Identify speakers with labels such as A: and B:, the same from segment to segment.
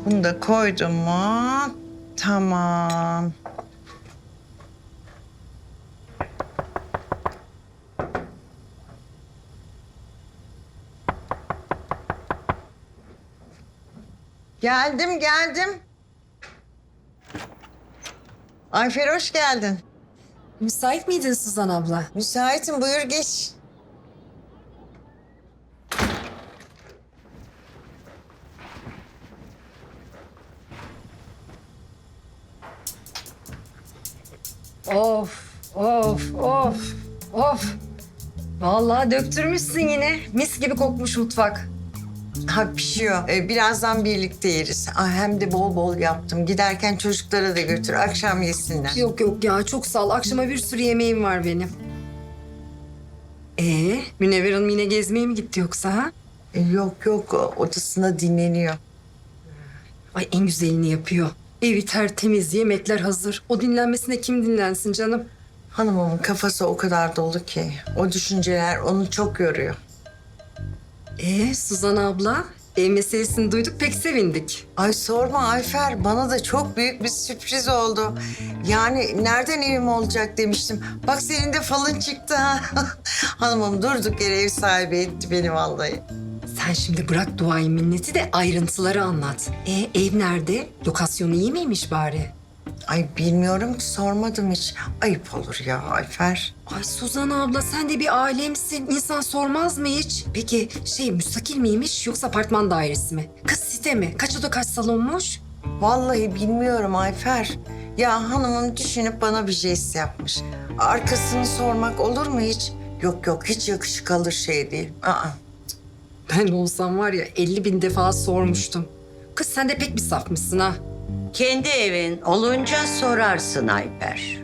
A: Bunu da koydum mu? Tamam. Geldim. Ayfer hoş geldin.
B: Müsait miydin Suzan abla?
A: Müsaitim, buyur geç.
B: Of. Vallahi döktürmüşsün yine. Mis gibi kokmuş mutfak.
A: Ha pişiyor. Birazdan birlikte yeriz. Hem de bol bol yaptım. Giderken çocuklara da götür, akşam yesinler.
B: Yok ya çok sağ ol. Akşama bir sürü yemeğim var benim. Münevver Hanım yine gezmeye mi gitti yoksa ha?
A: Yok, odasında dinleniyor.
B: Ay en güzelini yapıyor. Evi tertemiz, yemekler hazır. O dinlenmesine kim dinlensin canım?
A: Hanımımın kafası o kadar dolu ki. O düşünceler onu çok yoruyor.
B: Suzan abla, ev meselesini duyduk pek sevindik.
A: Ay sorma Ayfer, bana da çok büyük bir sürpriz oldu. Yani nereden evim olacak demiştim. Bak senin de falın çıktı ha. Hanımım durduk yere ev sahibi etti beni vallahi.
B: Sen şimdi bırak duayı minneti de ayrıntıları anlat. Ev nerede? Lokasyonu iyi miymiş bari?
A: Ay bilmiyorum ki sormadım hiç. Ayıp olur ya Ayfer.
B: Ay Suzan abla sen de bir alemsin. İnsan sormaz mı hiç? Peki müstakil miymiş yoksa apartman dairesi mi? Kız site mi? Kaç oda kaç salonmuş?
A: Vallahi bilmiyorum Ayfer. Ya hanımım düşünüp bana bir jest yapmış. Arkasını sormak olur mu hiç? Yok hiç yakışık alır şey değil.
B: Ben olsam var ya 50.000 defa sormuştum. Kız sen de pek bir safmışsın ha.
C: Kendi evin olunca sorarsın Ayper.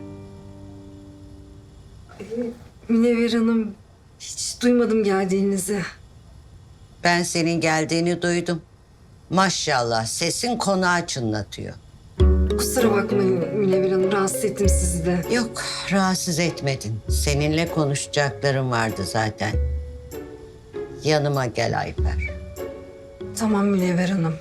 B: Münevver Hanım hiç duymadım geldiğinizi.
C: Ben senin geldiğini duydum. Maşallah sesin konağı çınlatıyor.
B: Kusura bakmayın Münevver Hanım rahatsız ettim sizi de.
C: Yok rahatsız etmedin. Seninle konuşacaklarım vardı zaten. Yanıma gel Ayper.
B: Tamam Münevver Hanım.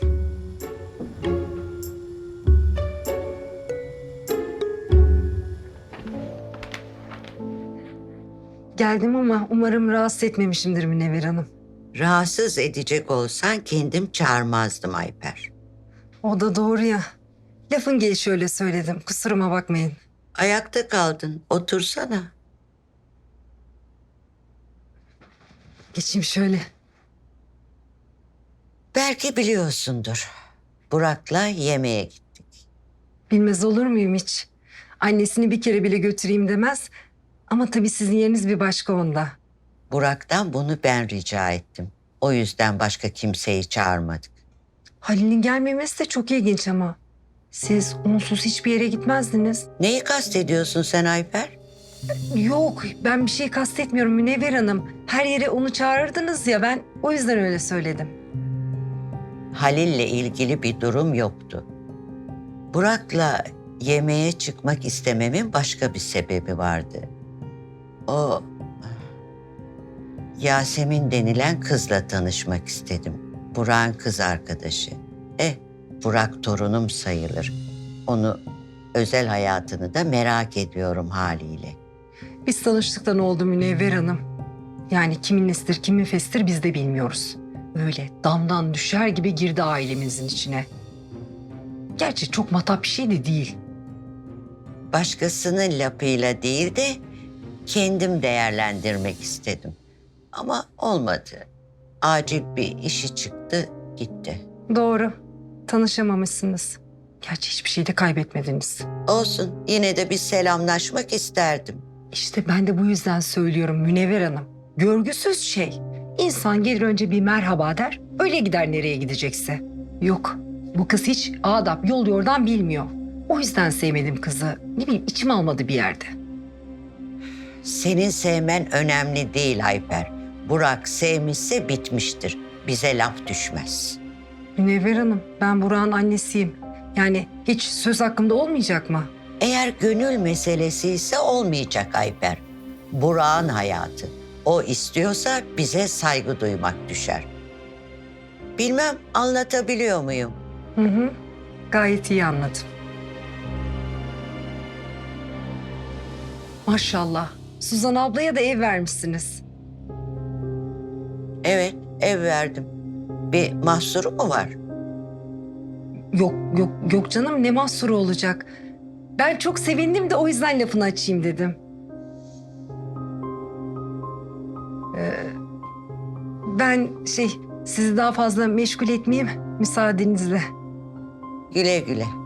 B: Geldim ama umarım rahatsız etmemişimdir Münevver Hanım.
C: Rahatsız edecek olsan kendim çağırmazdım Ayper.
B: O da doğru ya. Lafın gelişi öyle söyledim. Kusuruma bakmayın.
C: Ayakta kaldın. Otursana.
B: Geçeyim şöyle.
C: Belki biliyorsundur. Burak'la yemeğe gittik.
B: Bilmez olur muyum hiç? Annesini bir kere bile götüreyim demez. Ama tabii sizin yeriniz bir başka onda.
C: Burak'tan bunu ben rica ettim. O yüzden başka kimseyi çağırmadık.
B: Halil'in gelmemesi de çok ilginç ama. Siz onsuz hiçbir yere gitmezdiniz.
C: Neyi kastediyorsun sen Ayper?
B: Yok ben bir şey kastetmiyorum Münevver Hanım. Her yere onu çağırırdınız ya ben o yüzden öyle söyledim.
C: Halil'le ilgili bir durum yoktu. Burak'la yemeğe çıkmak istememin başka bir sebebi vardı. O Yasemin denilen kızla tanışmak istedim. Burak'ın kız arkadaşı. Burak torunum sayılır. Onu özel hayatını da merak ediyorum haliyle.
B: Biz tanıştıktan oldu Münevver Hanım. Yani kimin nesidir kimin fesidir biz de bilmiyoruz. Öyle damdan düşer gibi girdi ailemizin içine. Gerçi çok matap bir şey de değil.
C: Başkasının lafıyla değil de kendim değerlendirmek istedim. Ama olmadı. Acil bir işi çıktı, gitti.
B: Doğru. Tanışamamışsınız. Gerçi hiçbir şey de kaybetmediniz.
C: Olsun, yine de bir selamlaşmak isterdim.
B: İşte ben de bu yüzden söylüyorum Münevver Hanım. Görgüsüz şey. İnsan gelir önce bir merhaba der, öyle gider nereye gidecekse. Yok, bu kız hiç adap, yol yordan bilmiyor. O yüzden sevmedim kızı. Ne bileyim içim almadı bir yerde.
C: Senin sevmen önemli değil Ayper. Burak sevmişse bitmiştir. Bize laf düşmez.
B: Münevver Hanım, ben Burak'ın annesiyim. Yani hiç söz hakkımda olmayacak mı?
C: Eğer gönül meselesi ise olmayacak Ayper. Burak'ın hayatı. O istiyorsa bize saygı duymak düşer. Bilmem anlatabiliyor muyum?
B: Hı hı. Gayet iyi anladım. Maşallah. Suzan ablaya da ev vermişsiniz.
C: Evet, ev verdim. Bir mahsuru mu var?
B: Yok yok yok canım, ne mahsuru olacak. Ben çok sevindim de o yüzden lafını açayım dedim. Ben sizi daha fazla meşgul etmeyeyim müsaadenizle.
C: Güle güle.